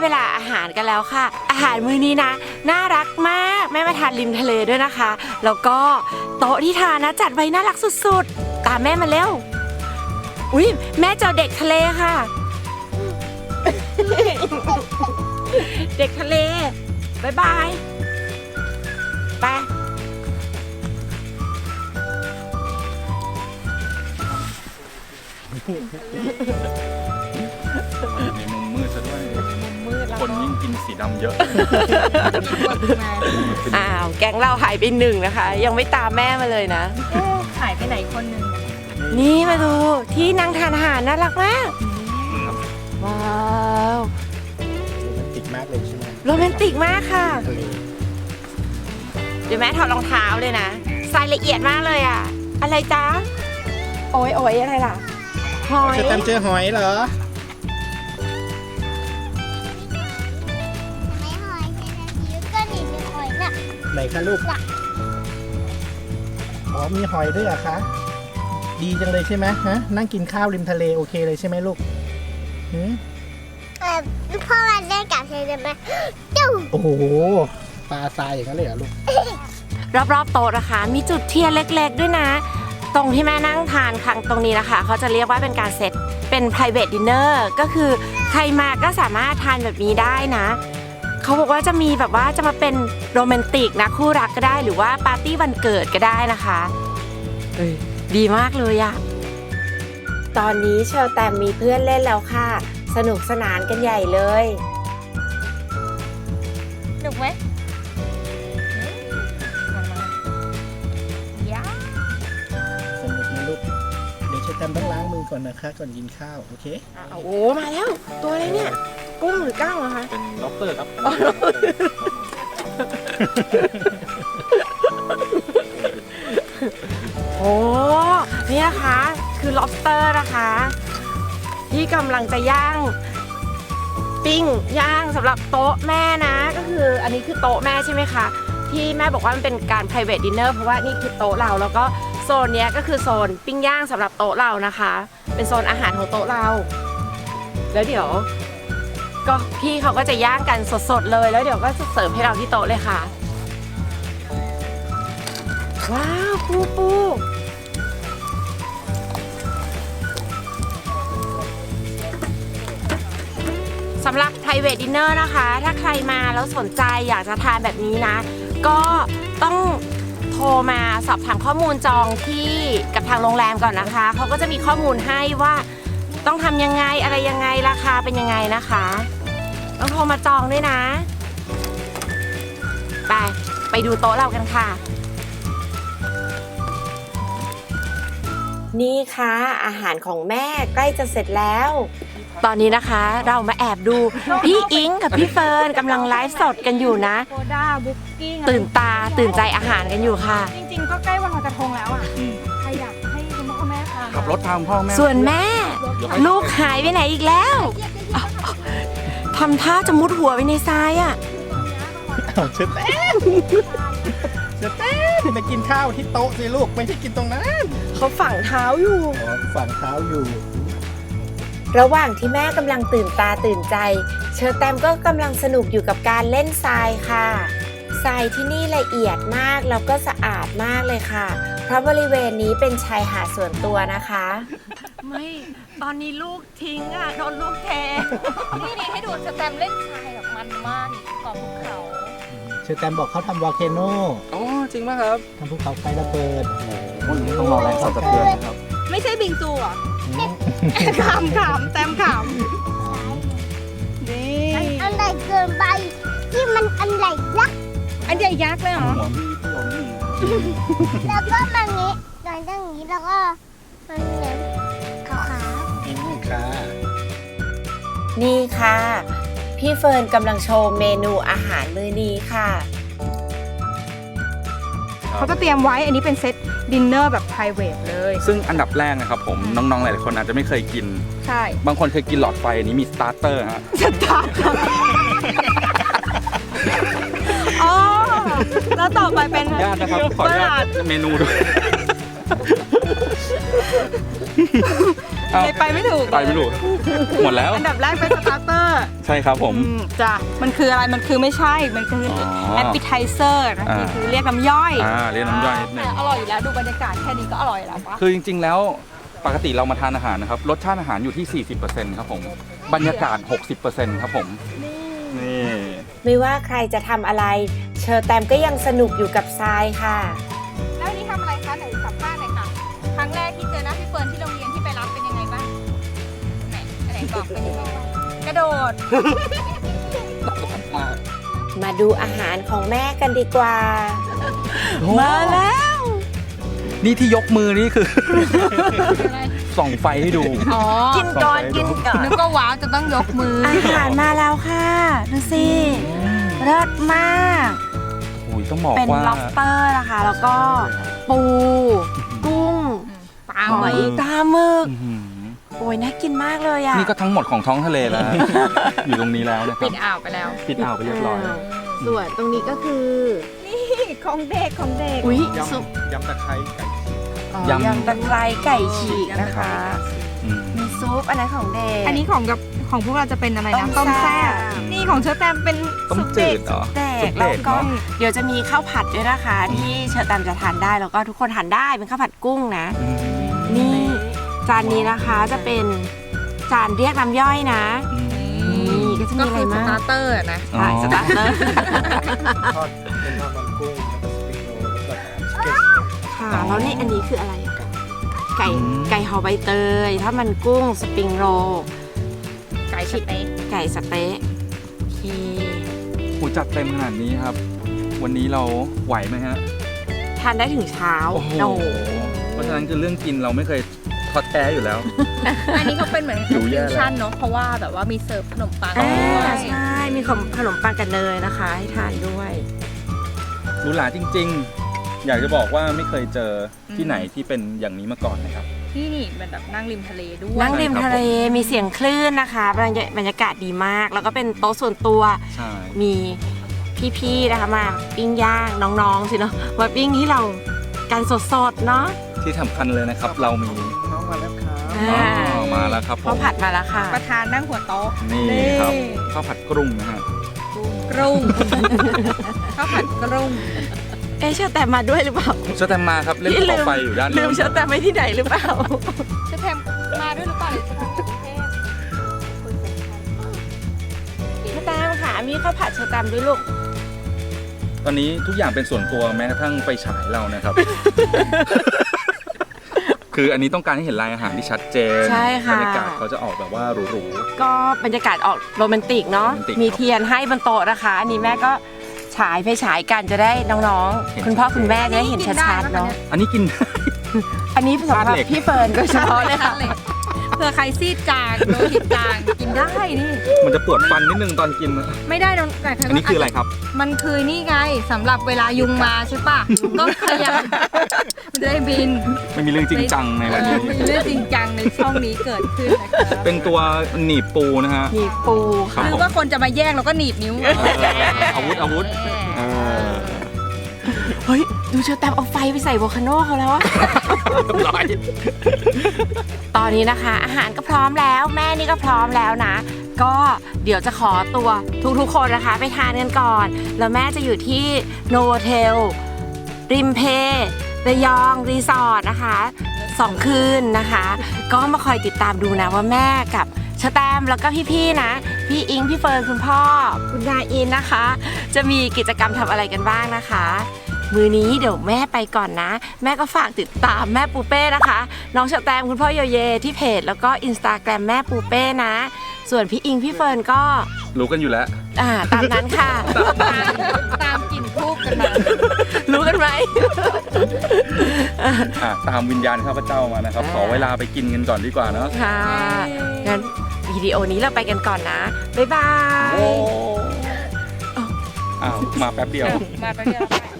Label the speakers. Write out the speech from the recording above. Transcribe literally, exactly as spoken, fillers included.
Speaker 1: เวลาอาหารกันแล้วค่ะอาหารมื้อนี้นะน่ารักมากแม่มาทานริมทะเลด้วยนะคะแล้วก็โต๊ะที่ทานนะจัดไว้น่ารักสุดๆตามแม่มาเร็วอุ๊ยแม่เจอเด็กทะเลค่ะ เด็กทะเลบายบายไป
Speaker 2: ในมุมมืดซะด้วยคนยิ่งกินสีดำเยอะ
Speaker 1: อ้าวแก๊งเราหายไปหนึ่งนะคะยังไม่ตามแม่มาเลยนะ
Speaker 3: หายไปไหนคนหนึ่ง
Speaker 1: นี่มาดูที่นั่งทานอาหารน่ารักมากว้าว
Speaker 4: โรแมนติกมากเลยใช่ไหม
Speaker 1: โรแมนติกมากค่ะ
Speaker 4: ทะเล
Speaker 1: เดี๋ยวแม่ถอดรองเท้าเลยนะทรายละเอียดมากเลยอ่ะอะไรจ๊ะโอ้ยโอ้ยอะไรล่ะหอย
Speaker 4: เชอร์แตมเจอหอยเหรอ
Speaker 5: ไม่หอยใช่ไหมพี่ก็หนีไปหอยน่ะ
Speaker 4: ไหนคะลูกอ๋อมีหอยด้วยเหรอคะดีจังเลยใช่ไหมฮะนั่งกินข้าวริมทะเลโอเคเลยใช่ไหมลูกหืม
Speaker 5: เออพ่อมาเล่นกับเธอได้ไหมจุ๊บ
Speaker 4: โอ้โหปลาทรายอย่างนั้นเลยเหรอลูก
Speaker 1: รอบๆโต๊ะนะคะมีจุดเทียนเล็กๆด้วยนะตรงที่แม่นั่งทานครั้งตรงนี้นะคะเขาจะเรียกว่าเป็นการเซตเป็น private dinner ก็คือใครมาก็สามารถทานแบบนี้ได้นะเขาบอกว่าจะมีแบบว่าจะมาเป็นโรแมนติกนะคู่รักก็ได้หรือว่าปาร์ตี้วันเกิดก็ได้นะคะเอ้ยดีมากเลยอะตอนนี้เชลแตมมีเพื่อนเล่นแล้วค่ะสนุกสนานกันใหญ่เลย
Speaker 3: หนุกไหมยา
Speaker 4: สนุกนะลูกเดี๋ยวเชอร์แตมต้องล้างมือก่อนนะคะก่อนกินข้าวโอเค
Speaker 1: โอ้โหมาแล้วตัวอะไรเนี่ยกุ้งหรือก้างเหรอคะ
Speaker 2: เป็นล็อบสเตอร์ครับ
Speaker 1: โอ้นี่นะคะคือ lobster นะคะที่กำลังจะย่างปิ้งย่างสำหรับโต๊ะแม่นะก็คืออันนี้คือโต๊ะแม่ใช่ไหมคะที่แม่บอกว่ามันเป็นการ private dinner เพราะว่านี่คือโต๊ะเราแล้วก็โซนเนี้ยก็คือโซนปิ้งย่างสำหรับโต๊ะเรานะคะเป็นโซนอาหารของโต๊ะเราแล้วเดี๋ยวก็พี่เขาก็จะย่างกันสดๆเลยแล้วเดี๋ยวก็จะเสิร์ฟให้เราที่โต๊ะเลยค่ะว้าวปูปูสำหรับ private dinner นะคะ ถ้าใครมาแล้วสนใจอยากจะทานแบบนี้นะ ก็ต้องโทรมาสอบถามข้อมูลจองที่กับทางโรงแรมก่อนนะคะ เขาก็จะมีข้อมูลให้ว่าต้องทำยังไงอะไรยังไงราคาเป็นยังไงนะคะ ต้องโทรมาจองด้วยนะ ไป ไปดูโต๊ะเรากันค่ะ นี่ค่ะอาหารของแม่ใกล้จะเสร็จแล้ว ตอนนี้นะคะเรามาแอบดูพี่อิงกับพี่เฟิร์นกำลังไลฟ์สดกันอยู่นะ
Speaker 3: โคด้าบุ๊กกิ้ง
Speaker 1: ตื่นตาตื่นใจอาหารกันอยู่ค่ะ
Speaker 3: จริงๆ ก็ใกล้วันลอยกระทงแล้วอ่ะใครอยากให้คุณพ่อคุณแม่ทาน
Speaker 2: ขับรถทางพ่อแม่
Speaker 1: ส่วนแม่ ลูกหายไปไหนอีกแล้วทำท่าจะมุดหัวไปในทรายอ่ะ
Speaker 4: เอาเชอร์แตมเชอร์แตมไปกินข้าวที่โต๊ะสิลูกไม่ใช่กินตรงนั้น
Speaker 1: เขาฝังเท้าอยู่
Speaker 4: อ๋อฝั่งเท้าอยู่
Speaker 1: ระหว่างที่แม่กำลังตื่นตาตื่นใจ เชอร์แตมก็กำลังสนุกอยู่กับการเล่นทรายค่ะทรายที่นี่ละเอียดมากแล้วก็สะอาดมากเลยค่ะ เพราะบริเวณนี้เป็นชายหาดส่วนตัวนะคะ ไม่ตอนนี้ลูกทิ้งอ่ะโดนลูกแท
Speaker 3: นี่นี่ให้ดูสแตมเล่นทรายแบบมันมากเกาะภูเขา
Speaker 4: เชอร์แตมบอกเขาทำวอลเคโน
Speaker 2: อ๋อจริงไหมครับ
Speaker 4: ทำภูเขาไฟระเบิด
Speaker 2: ต้องรอแรงสั่นสะเทือนนะครับ
Speaker 3: ไม่ใช่บิงซูอ่ะ
Speaker 4: อืม
Speaker 3: ขำขำแตมขำนี่
Speaker 5: มันอันใหญ่เกินไปที่มันอันใหญ่ยักษ์
Speaker 3: อันใหญ่ยักษ์เลยเหรอ
Speaker 2: หัวมีพี่ผมนี่
Speaker 5: แล้วก็มันงี้โดนตั้งอย่างนี้แล้วก็มันเหมือนขาว
Speaker 4: อืมค่ะ
Speaker 1: นี่ค่ะ พี่เฟิร์นกำลังโชว์เมนูอาหารมื้อนี้ค่ะ
Speaker 3: เขาจะเตรียมไว้อันนี้เป็นเซตดินเนอร์แบบ private เลย
Speaker 2: ซึ่งอันดับแรกนะครับผมน้องๆหลายๆคนอาจจะไม่เคยกิน
Speaker 3: ใช่
Speaker 2: บางคนเคยกินหลอดไฟอันนี้มีสตาร์เตอร์ฮะ
Speaker 3: สตาร์ทอ๋อแล้วต่อไปเป็น
Speaker 2: ญาตินะครับขออนุญาตเมนูด้วยเอ้า
Speaker 3: เลยไปไม่ถูก
Speaker 2: ไปไม่ถูกหมดแล้ว
Speaker 3: อันดับแรกเป็นสตาร์เตอร์
Speaker 2: ใช่ครับผม
Speaker 3: อืมจ้ะมันคืออะไรมันคือไม่ใช่มันคือ
Speaker 2: อ๋อ
Speaker 3: แอปเปิลไทเซอร์นะ
Speaker 2: อ่า
Speaker 3: นี่คือเรียกน้ำย่อย
Speaker 2: อ่าเรียกน้ำย่อยนิดนึง
Speaker 3: อร่อยอยู่แล้วดูบรรยากาศแค่นี้ก็อร่อยแล้วปะ
Speaker 2: คือจริงๆแล้วปกติเรามาทานอาหารนะครับรสชาติอาหารอยู่ที่ สี่สิบเปอร์เซ็นต์ ครับผมบรรยากาศ หกสิบเปอร์เซ็นต์ ครับผมนี่
Speaker 1: ไม่ว่าใครจะทำอะไร เชอร์แตมก็ยังสนุกอยู่กับทรายค่ะ
Speaker 3: แล้ววันนี้ทำอะไรคะไหนสัมภาษณ์หน่อยค่ะครั้งแรกที่เจอหน้าพี่เฟิร์นที่โรงเรียนที่ไปรับเป็นยังไงบ้างไหนไหนบอกเป็นยังไงบ้างกระโดด
Speaker 1: มาดูอาหารของแม่กันดีกว่า
Speaker 3: มาแล้ว
Speaker 2: นี่ที่ยกมือนี่คือ ส่องไฟให้ดู
Speaker 3: อ๋อ
Speaker 1: กินก่อนกินก่อน
Speaker 3: นึกก็ว้าวจะต้องยกมือ
Speaker 1: อาหารมาแล้วค่ะ ดูสิเลิศมาก
Speaker 2: โอ้ยต้องบอก
Speaker 1: เป็น
Speaker 2: ว่า
Speaker 1: lobster นะคะ แล้วก็ปู กุ้ง
Speaker 3: ปลา
Speaker 1: ห
Speaker 3: ห
Speaker 1: อ
Speaker 3: อย ย
Speaker 1: ตาหมึก
Speaker 2: อื้อหือ
Speaker 1: โอ้ยน่ากินมากเลยอ่ะ
Speaker 2: นี่ก็ทั้งหมดของท้องทะเลแล้ว อยู่ตรงนี้แล้วนะครั
Speaker 3: ปิ
Speaker 2: บ
Speaker 3: ดอ่าวไปแล้ว
Speaker 2: ปิดอ่าวไปเรียบร้อย
Speaker 1: ส่วนตรงนี้ก็คือ
Speaker 3: นี่ของเด็กของเด็ก
Speaker 1: อุ้ย
Speaker 2: ยำ
Speaker 1: ซุป
Speaker 2: ยำตะไคร้ไก่
Speaker 1: อ๋อย
Speaker 2: ำ
Speaker 1: ยำตะไคร้ไก่ฉีกนะคะ
Speaker 2: อืม
Speaker 1: มีซุปอันนั้นของเด็ก
Speaker 3: อันนี้ของกับของพวกเราจะเป็นอะไรนะ
Speaker 1: ต้
Speaker 3: ต้
Speaker 1: ม
Speaker 3: ม
Speaker 1: แซ่
Speaker 3: แซ่
Speaker 1: บ
Speaker 3: บนี่ของเชอแตมเป็น
Speaker 2: ต้ม
Speaker 3: ซุป
Speaker 2: จื
Speaker 3: เด็ก
Speaker 2: ดเหรอ
Speaker 1: เด็
Speaker 2: ซุ
Speaker 1: ก
Speaker 2: ป
Speaker 1: แล้ว
Speaker 2: เด็ก
Speaker 1: ก็
Speaker 2: เนาะ
Speaker 1: เดี๋ยวจะมีข้าวผัดด้วยนะคะ ที่เชอร์แตมจะทานได้แล้วก็ทุกคนทานได้เป็นข้าวผัดกุ้งนะ
Speaker 2: อืม
Speaker 1: นี่จานนี้นะคะจะเป็นจานเรียกน้ำย่อยนะ
Speaker 2: อืม
Speaker 1: นี่ก็จะมีอะไร
Speaker 3: ส
Speaker 1: มาก
Speaker 3: ตาร์เตอร์นะ
Speaker 1: ใช่สตาร์เตอร์
Speaker 4: ทอดเป็นทอดมันกุ้งแล้วก็สปริงโรลแล้วก็ชิคเก้นสเต็ก
Speaker 1: ค่ะแล้วนี่อันนี้คืออะไรอะไก่ไก่ห่อใบเตยถ้ามันกุ้งสปริงโรล
Speaker 3: ไก่สเต็ก
Speaker 1: ไก่สเต๊ะโอเค
Speaker 2: โอ้จัดเต็มขนาดนี้ครับ วันนี้เราไหวไหมฮะ
Speaker 1: ทานได้ถึงเช้า
Speaker 2: โอ้โห เพราะฉะนั้นคือเรื่องกินเราไม่เคยท้อแท้อยู่แล้ว
Speaker 3: อันนี้เขาเป็นเหมือน
Speaker 2: หิวแย่
Speaker 3: ฟิว
Speaker 2: แล้ว
Speaker 3: ชั่นเนาะเพราะว่าแบบว่ามีเสิร์ฟขนมปัง
Speaker 1: อ่า
Speaker 3: ด้วย
Speaker 1: ใช่มีขนมขนมปังกับเนยนะคะ ให้ทานด้วย
Speaker 2: หรูหราจริงๆ อยากจะบอกว่าไม่เคยเจอที่ไหนที่เป็นอย่างนี้มาก่อนนะครับ
Speaker 3: ที่นี่มันแบบนั่งริมทะเลด้วย
Speaker 1: นั่งริมทะเลมีเสียงคลื่นนะคะบรรยาบรรยากาศดีมาก แล้วก็เป็นโต๊ะส่วนตัว
Speaker 2: ใช่
Speaker 1: มีพี่ๆนะคะมาปิ้งย่างน้องๆสิเนาะมาปิ้งที่เรากันสดๆเนาะ
Speaker 2: ที่สำคัญเลยนะครับ เรามี
Speaker 4: น้องมาแล้วครับ
Speaker 1: อ่า
Speaker 2: อ๋อมาแล้วครับผ
Speaker 1: ข้าว
Speaker 2: ม
Speaker 1: ผัดมาแล้วค่ะ
Speaker 3: ประธานนั่งหัวโต๊ะ
Speaker 2: นี่ครับข้าวผัดกรุ้งนะฮะ
Speaker 3: กรุงข้าวผัดกรุง
Speaker 1: เอ๊ะเชอร์แตมมาด้วยหรือเปล่า
Speaker 2: เชอแตมมาครับเล่น
Speaker 1: พี่
Speaker 2: ภูเขาไฟอยู่ด้าน
Speaker 1: ลื
Speaker 2: นู้
Speaker 1: ม
Speaker 2: น
Speaker 1: เชอร์แตมไว้ที่ไหนหรือเปล่า
Speaker 3: เชฟแพมมาด้วยหรือเปล่าหรือจะมากรุงเทพ
Speaker 1: เชอร์แตมค่ะมีข้าวผัดเชอร์แตมด้วยลูก
Speaker 2: ตอนนี้ทุกอย่างเป็นส่วนตัวแม้กระทั่งไฟฉายเรานะครับ คืออันนี้ต้องการให้เห็นลายอาหารที่ชัดเจน
Speaker 1: ใช่ค่ะ
Speaker 2: บรรยากาศเขาจะออกแบบว่าหรู
Speaker 1: ก็บรรยากาศออกโรแมนติกเนาะ
Speaker 2: โรแมนติก
Speaker 1: มีเทียนให้บนโต๊ะนะคะ อันนี้แม่ก็ฉายไฟฉายกันจะได้น้อง
Speaker 2: เห็น
Speaker 1: ๆ คุณพ่อคุณแม่จะได้เห็นชัดๆเนาะ
Speaker 2: ๆ อันนี้กิน
Speaker 1: อันนี้สำหรับ
Speaker 2: ธาตุเหล็ก
Speaker 1: พี่เฟิร์นโดยเฉพาะเลยค่ะ
Speaker 3: เผื่อใครซีดจางโลหิตจางกินได้นี่
Speaker 2: มันจะปวดฟันนิดนึงตอนกินนะ
Speaker 3: ไม่ได้น้องแต่
Speaker 2: อันนี้คืออะไรครับ
Speaker 3: มันคือนี่ไงสำหรับเวลายุงมาใช่ปะก็พยายามมันจะได้บิน
Speaker 2: ไม่มีเรื่องจริงจังในวัน
Speaker 3: เอ
Speaker 2: นี้
Speaker 3: อมีเรื่องจริงจังในช่องนี้เกิดขึ้นนะคะ
Speaker 2: เป็นตัวหนีบปูนะฮะ
Speaker 1: มีปู
Speaker 2: ครั
Speaker 1: ค่ะ
Speaker 2: บ
Speaker 3: หรือว่าคนจะมาแย่งแล้วก็หนีบนิ้ว
Speaker 2: เอออาวุธอาวุธเออ
Speaker 1: เฮ้ย ดูเชอร์แตมเอาไฟไปใส่โวลคาโนเขาแล้วอะ
Speaker 2: เรียบร้อย
Speaker 1: ตอนนี้นะคะ อาหารก็พร้อมแล้ว แม่นี่ก็พร้อมแล้วนะ ก็เดี๋ยวจะขอตัวทุกๆคนนะคะ ไปทานกันก่อน แล้วแม่จะอยู่ที่โนโวเทลริมเพระยองรีสอร์ทนะคะสองคืนนะคะ ก็มาคอยติดตามดูนะว่าแม่กับเชอร์แตมแล้วก็พี่ๆนะ พี่อิงพี่เฟิร์นคุณพ่อ คุณนายอินนะคะ จะมีกิจกรรมทำอะไรกันบ้างนะคะ มือนี้เดี๋ยวแม่ไปก่อนนะ แม่ก็ฝากติดตามแม่ปูเป้นะคะ น้องเชอร์แตมคุณพ่อโยเยที่เพจแล้วก็อินสตาแกรมแม่ปูเป้นะ ส่วนพี่อิงพี่เฟิร์นก็
Speaker 2: รู้กันอยู่แล้ว
Speaker 1: อ่าตามนั้นค่ะ
Speaker 3: ตามตามกลิ่นทูบกันมา
Speaker 1: รู้กันไหม
Speaker 2: อ่ะตามวิญญาณข้าพเจ้ามานะครับ ขอเวลาไปกินกันก่อนดีกว่าเนาะ
Speaker 1: ค่ะงั้นวิดีโอนี้เราไปกันก่อนนะ บ๊ายบาย
Speaker 2: อ้าวมาแป๊บเดียว
Speaker 3: มาไปเรื่อย